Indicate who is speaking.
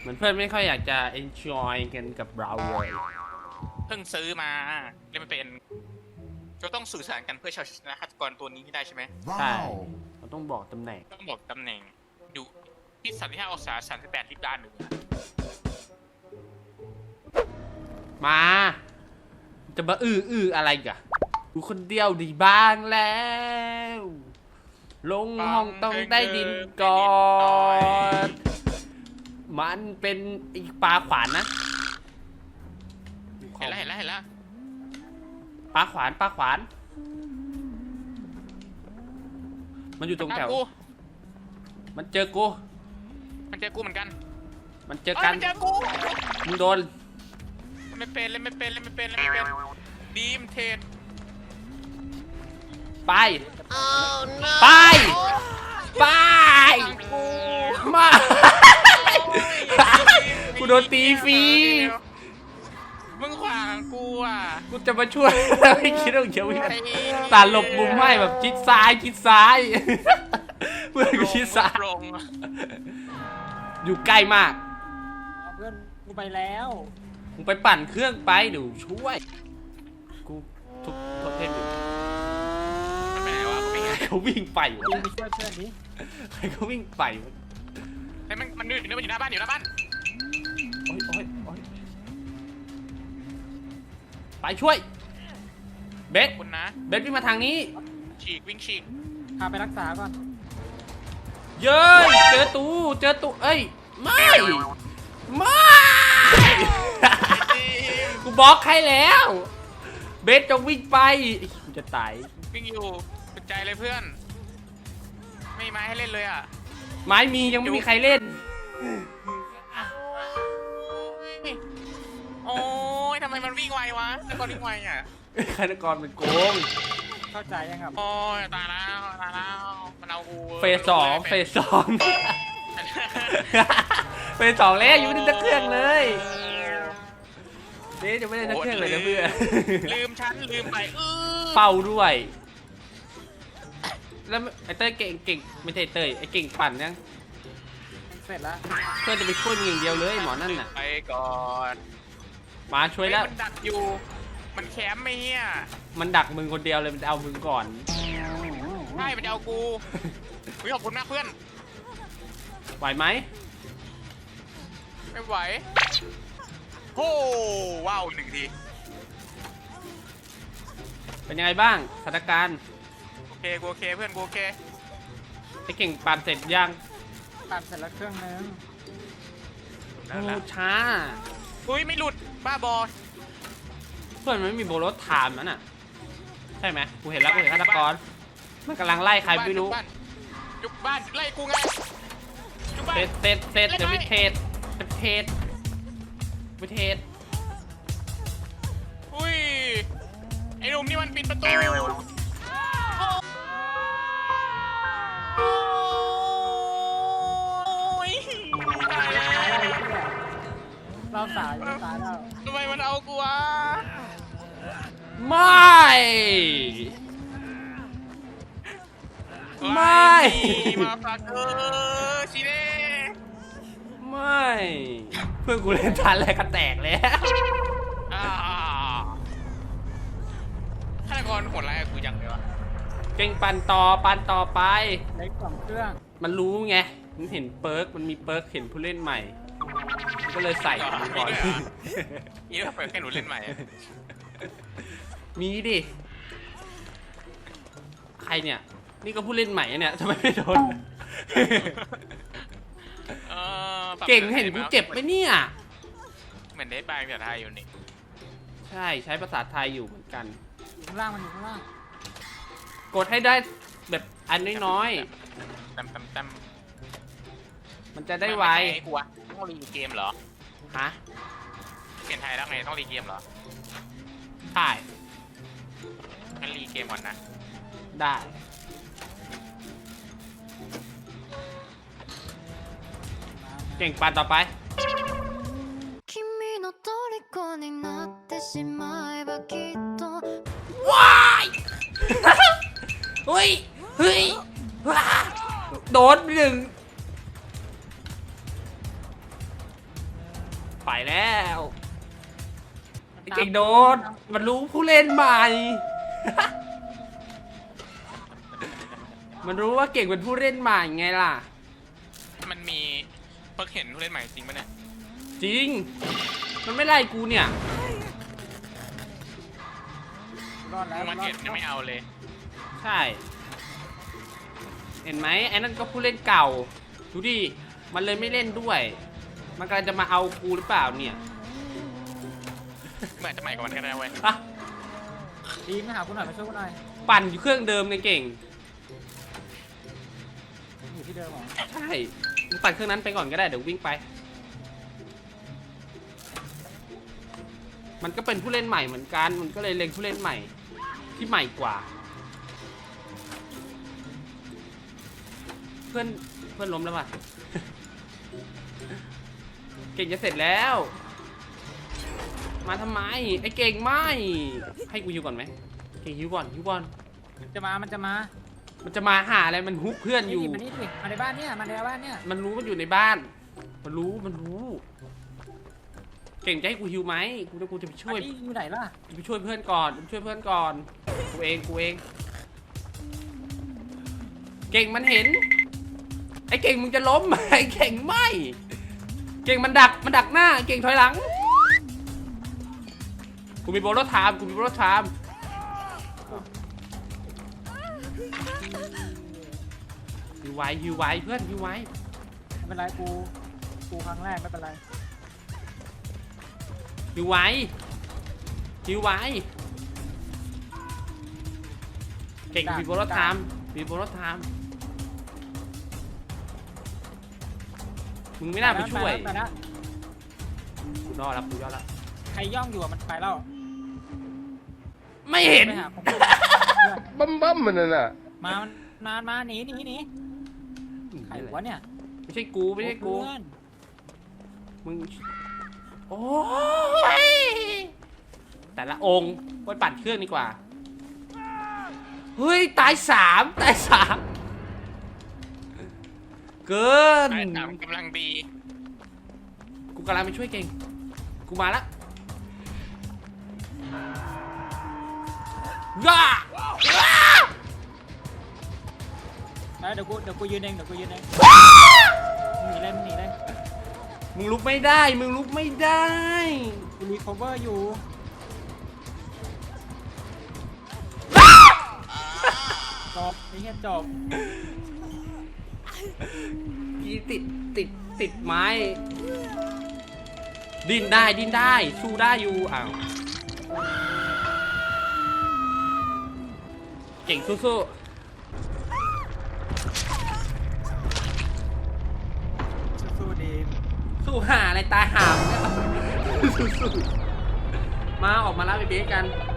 Speaker 1: มือนเพื่อนไม่ค่อยอยากจะ enjoy กันกับเราเลย
Speaker 2: เพิ่งซื้อมาเล่นไม่เป็นเราต้องสื่อสารกันเพื่อชนะฆาตกรตัวนี้ให้ได้ใช่ไหม
Speaker 1: ใช่เราต้องบอกตำแหน่ง
Speaker 2: ต้องบอกตำแหน่งอยู่ที่35 องศา 38 ลิบด้านหนึ่ง
Speaker 1: มาจะมาอะไรกะดูคนเดียวดีบ้างแล้ว ลงห้องต้องได้ดินก่อนมันเป็นอีกปลาขวานนะ
Speaker 2: เห็นแล้ว
Speaker 1: ปลาขวาน มันอยู่ตรงแถวมันเจอกู
Speaker 2: มันเจอกูเหมือนกัน
Speaker 1: มันเจอกัน
Speaker 2: มันเจอกู
Speaker 1: มึงโดน
Speaker 2: เล่นไม่เป็นดีมเทน
Speaker 1: ไป ไป
Speaker 2: กู
Speaker 1: มา กูโดนตีฟรี
Speaker 2: มึงขวางกูอ่ะ
Speaker 1: กูจะมาช่วย ไม่คิดว่าจะวิ่งตาหลบมุมให้แบบชิดซ้ายเพื่อนกูชิดซ้าย
Speaker 2: ลง
Speaker 1: อยู่ใกล้มาก
Speaker 3: เพื่อนกูไปแล้ว
Speaker 1: มึงไปปั่นเครื่องไปเดี๋ยวช่วย กูทุบโทษเทพอยู่
Speaker 2: มันไปไหนวะกูไม่เห็น
Speaker 1: เขาวิ่งไป
Speaker 3: ยิงไปช่วยเพื่อนดิ
Speaker 1: ใครเขาวิ่งไปวะ
Speaker 2: เฮ้ยมันอยู่หน้าบ้านอยู่หน้าบ้าน
Speaker 1: โอ๊ยไปช่วย เบส
Speaker 2: คุณนะ
Speaker 1: วิ่งมาทางนี้
Speaker 2: วิ่งฉีก
Speaker 3: พาไปรักษาก่อน
Speaker 1: เย้ยเจอตูเอ้ยไม่กูบล็อกให้แล้ว เบสจงวิ่งไปกูจะตาย
Speaker 2: วิ่งอยู่สนใจเลยเพื่อนไม่มีไม้ให้เล่นเลยอ่ะ
Speaker 1: ไม้มียังไม่มีใครเล่น
Speaker 2: โอ้ยทำไมมันวิ่งไววะแล้วก็วิ่งไวอ่ะ
Speaker 1: ฆาตกรเป็นโกง
Speaker 3: เข้าใจยังครับ
Speaker 2: โอ้ยตายแล้วมันเอากู
Speaker 1: เฟสสองเฟสสองแล้วอยู่ในตะเครื่องเลยเบสจะไม่ได้ตะเครื่องเลยนะเพื่อน
Speaker 2: ลืมลืมไป
Speaker 1: เป่าด้วย แล้วไอ้เต้ยเก่งไม่ใช่เต้ยไอ้เก่งปั่นยัง
Speaker 3: เสร็จแล้ว
Speaker 1: เพื่อนจะไปช่วยมึงอย่างเดียวเลยหมอนั่นน่ะ
Speaker 2: ไปก่อน
Speaker 1: มาช่วยแล้ว
Speaker 2: มันดักอยู่มันแคมป์ไม่เฮีย
Speaker 1: มันดักมึงคนเดียวเลยมันจะเอามึงก่อน
Speaker 2: ใช่มันจะเอากูขอบคุณมากเพื่อน
Speaker 1: ไหวไหม
Speaker 2: ไม่ไหวโอ้ว้าว1 ที
Speaker 1: เป็นยังไงบ้างสถานการณ์
Speaker 2: โอเคกูโอเคเพื่อนกูโอเค
Speaker 1: ไอ้เก่งปั่นเสร็จยัง
Speaker 3: ตัดเสร็จแล้วเครื่องนึง
Speaker 1: โอ้ช้า
Speaker 2: อุ้ยไม่หลุดบ้าบอ
Speaker 1: เพื่อนมันไม่มีโบรถถามนั่นน่ะใช่ไหมกูเห็นแล้วกูเห็นฆาตกรมันกำลังไล่ใครไม่รู้
Speaker 2: จุกบ้านไล่กูไงจุกบ้าน
Speaker 1: เสร็จเดี๋ยววิเทศ
Speaker 2: อุ้ยไอ้หนุ่มนี่มันปิดประตูตายแล้ว
Speaker 3: เราสายแล้ว
Speaker 2: ทำไมมันเอากูวะ
Speaker 1: ไม่
Speaker 2: มาฝากชิเน่
Speaker 1: ไม่เพื่อนกูเล่นทันอะไรก็แตกแล้ว
Speaker 2: ฆาตกรโหดร้ายกับกูจังเลยวะ
Speaker 1: เก่งปั่นต่อไป
Speaker 3: เล็ก2เครื่อง
Speaker 1: มันรู้ไงมันเห็นเปิร์กมันมีเปิร์กเห็นผู้เล่นใหม่มันก็เลยใส่มันก่อน
Speaker 2: นี่เราเปิดแค่หนูเล่นใหม่
Speaker 1: มีดิใครเนี่ยนี่ก็ผู้เล่นใหม่เนี่ยทำไมไม่โดน เก่งเห็นกูเจ็บไหมเนี่ย
Speaker 2: เหมือนเดทบายภาษาไทยอยู่นี่
Speaker 1: ใช่ใช้ภาษาไทยอยู่เหมือนกัน
Speaker 3: ข้างล่างมันอยู่ข้างล่าง
Speaker 1: กดให้ได้แบบอันน้อย
Speaker 2: ตั้ม
Speaker 1: ๆมันจะได้ไว
Speaker 2: กูวะต้องรีเกมเหรอ
Speaker 1: ฮะ
Speaker 2: เปลี่ยนไทยแล้วไงต้องรีเกมเหรอ
Speaker 1: ใช่
Speaker 2: งั้นรีเกมก่อนนะ
Speaker 1: ได้เก่งปั่นต่อไป
Speaker 4: 君の虜になってしまえばきっと
Speaker 1: ว้ายเฮ้ยว้าโดนไปหนึ่งไปแล้วไอ้เก่งโดนมันรู้ผู้เล่นใหม่ มันรู้ว่าเก่งเป็นผู้เล่นใหม่ไงล่ะ
Speaker 2: มันมีเพิ่งเห็นผู้เล่นใหม่จริงปะเนี่ย
Speaker 1: จริง มันไม่ไล่กูเนี่ย
Speaker 3: รอดแล้ว
Speaker 2: มันเห็นยังไม่เอาเลย
Speaker 1: ใช่ เห็นไหมไอ้นั่นก็ผู้เล่นเก่า ดูดิ มันเลยไม่เล่นด้วย มันกำลังจะมาเอากูหรือเปล่าเนี่ย
Speaker 2: เหมือนจะใหม่กว่ามันก็ได้เว้ย
Speaker 1: อะ
Speaker 3: ดีมมาหาคุณหน่อยมาช่วยคุณหน่อย
Speaker 1: ปั่นอยู่เครื่องเดิมไงเก่ง
Speaker 3: อยู่ที่เดิมเหรอ
Speaker 1: ใช่มึงปั่นเครื่องนั้นไปก่อนก็ได้เดี๋ยววิ่งไป มันก็เป็นผู้เล่นใหม่เหมือนกัน มันก็เลยเล็งผู้เล่นใหม่ที่ใหม่กว่า เพื่อนล้มแล้วป่ะ เก่งจะเสร็จแล้ว มาทำไมไอ้เก่งไม่ให้กูฮิวก่อนไหมเก่งฮิวก่อนฮิวก่อน
Speaker 3: มันจะมา
Speaker 1: มันจะมาหาอะไรมันฮุบเพื่อนอยู่
Speaker 3: มานี่ดิมาในบ้านเนี่ยมาในบ้านเนี่ย
Speaker 1: มันรู้มันอยู่ในบ้าน มันรู้ เก่งจะให้กูฮิวไหมกูจะไปช่วย
Speaker 3: อันนี้อยู่ไหนล่ะ
Speaker 1: ไปช่วยเพื่อนก่อนช่วยเพื่อนก่อน กูเอง เก่งมันเห็น ไอ้เก่งมึงจะล้ม ไอ้เก่งไม่ เก่งมันดักหน้า เก่งถอยหลัง กูมีโบโลไทม์ฮิวไว้เพื่อนฮิวไว้
Speaker 3: ไม่เป็นไรกูครั้งแรกไม่เป็นไร
Speaker 1: ฮิวไว้เก่งมีโบโลไทม์มึงไม่น่าไปช่วย
Speaker 3: ไปแล้ว
Speaker 1: กูยอดแล้ว
Speaker 3: ใครย่องอยู่อะมันไปแล้ว
Speaker 1: ไม่เห็น
Speaker 3: ไปหาผม
Speaker 5: บั้มมันน่ะ
Speaker 3: มาหนีใครวะเนี่ย
Speaker 1: ไม่ใช่กู
Speaker 3: เพื่อน
Speaker 1: มึง โอ้ย แต่ละองค์ไปปั่นเครื่องดีกว่า เฮ้ย ตายสามเกิน
Speaker 2: ไอ้ถามกำลังดี
Speaker 1: กูกำลังไปช่วยเก่ง กูมาละย่า
Speaker 3: แล้วเดี๋ยวกูยืนเองหนีเลย
Speaker 1: มึงลุกไม่ได้
Speaker 3: กูรีคอเวอร์อยู่จบไอ้เหี้ยจบ
Speaker 1: กีติดไม้ ดิ้นได้สู้ได้อยู่อ้าวเก่งสู้
Speaker 3: สู้ดี
Speaker 1: สู้หาอะไรตายหามเนี่ย สู้มาออกมาแล้วไปเบสกัน